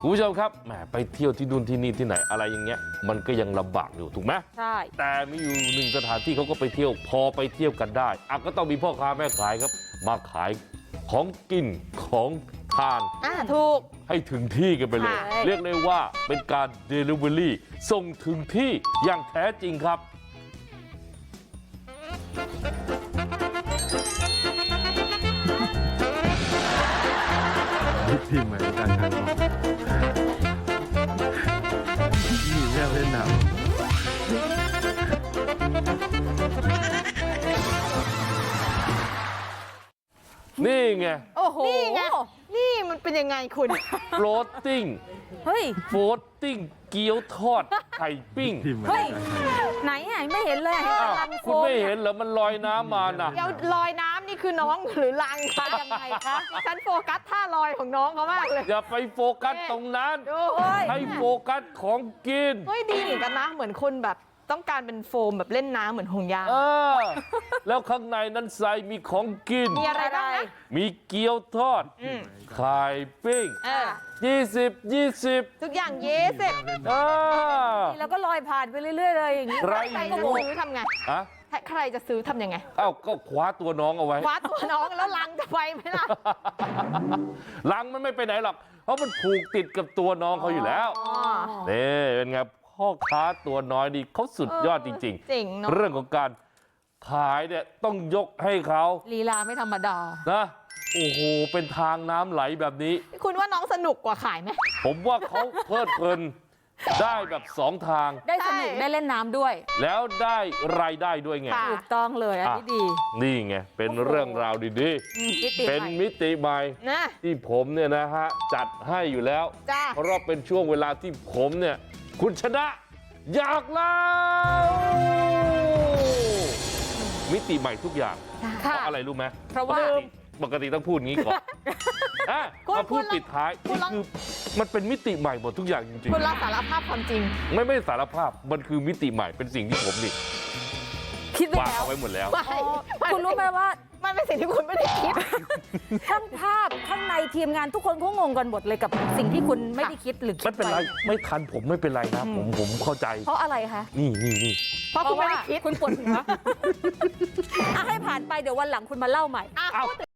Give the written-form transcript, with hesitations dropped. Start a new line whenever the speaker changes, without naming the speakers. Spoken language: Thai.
คุณผู้ชมครับแหมไปเที่ยวที่นู่นที่นี่ที่ไหนอะไรอย่างเงี้ยมันก็ยังลำบากอยู่ถูกไหม
ใช่
แต่มีอยู่หนึ่งสถานที่เขาก็ไปเที่ยวพอไปเที่ยวกันได้ก็ต้องมีพ่อค้าแม่ขายครับมาขายของกินของทาน
ถูก
ให้ถึงที่กันไปเลยเรียกได้ว่าเป็นการ Delivery ส่งถึงที่อย่างแท้จริงครับ
ทีมใหม่การขายของนี่แม่เล่นหนัง
นี่ไง
โอ้โหนี่ไงนี่มันเป็นยังไงคุณ
floating
เฮ้ย
floating เกี๊ยวทอดไข่ปิ้ง
เฮ้ยไหนไม่เห็นเลย
คุณไม่เห็นเหรอมันลอยน้ำมาน่ะ
เดี๋ยวลอยน้ำนี่คือน้องหรือลังคะยังไงคะฉันโฟกัสท่าลอยของน้องเขามากเลย
อย่าไปโฟกัสตรงนั้นให้โฟกัสของกิน
เฮ้ยดีเหมือนกันนะเหมือนคนแบบต้องการเป็นโฟมแบบเล่นน้ำเหมือนห่วงยาง
แล้วข้างในนั้นใส่มีของกิน
มีอะไรบ้างนะ
มีเกี๊ยวทอดไข่ปิ้ง20
ทุกอย่าง
แล้ว
ก็ลอยผ่านไปเรื่อยๆเลยอย่างนี้
ใคร
จะซื้อทำไงใครจะซื้อทำยังไง
ก็คว้าตัวน้องเอาไว้
คว้าตัวน้องแล้วลังจะไปไหมล่ะ
ลังมันไม่ไปไหนหรอกเพราะมันผูกติดกับตัวน้องเขาอยู่แล้วนี่เป็นไงพ่อค้าตัวน้อยนี่เขาสุดยอดจริงๆเรื่องของการขายเนี่ยต้องยกให้เขา
ลีลาไม่ธรรมดา
นะโอ้โหเป็นทางน้ำไหลแบบนี้
คุณว่าน้องสนุกกว่าขายไหม
ผมว่าเขาเพลิดเพลินได้แบบ2ทาง
ได้สนุกได้เล่นน้ำด้วย
แล้วได้รายได้ด้วยไง
ถูกต้องเลยอันนี้ดี
นี่ไงเป็นเรื่องราวดีๆเป็นมิติใหม่ที่ผมเนี่ยนะฮะจัดให้อยู่แล้วเพราะเป็นช่วงเวลาที่ผมเนี่ยคุณชนะอยากเล่ามิติใหม่ทุกอย่างเพราะอะไรรู้ไหม
เพราะว่า
ปกติต้องพูดงี้ก่อนมาพูดปิดท้ายนี่คือมันเป็นมิติใหม่หมดทุกอย่างจริงๆ
คุณรับสารภาพความจริง
ไม่สารภาพมันคือมิติใหม่เป็นสิ่งที่ผมนี่
คิด
วางเอาไว้หมดแล้ว
คุณรู้ไหมว่ามันเป็นสิ่งที่คุณไม่ได้คิดช่างภาพข้างในทีมงานทุกคนเขางงกันหมดเลยกับสิ่งที่คุณไม่ได้คิดหรือ
ไม่เป็นไรไม่ทันผมไม่เป็นไรนะผมเข้าใจ
เพราะอะไรคะ
นี่
เพราะคุณไม่ได้คิดคุณปวดหัวให้ผ่านไปเดี๋ยววันหลังคุณมาเล่าใหม่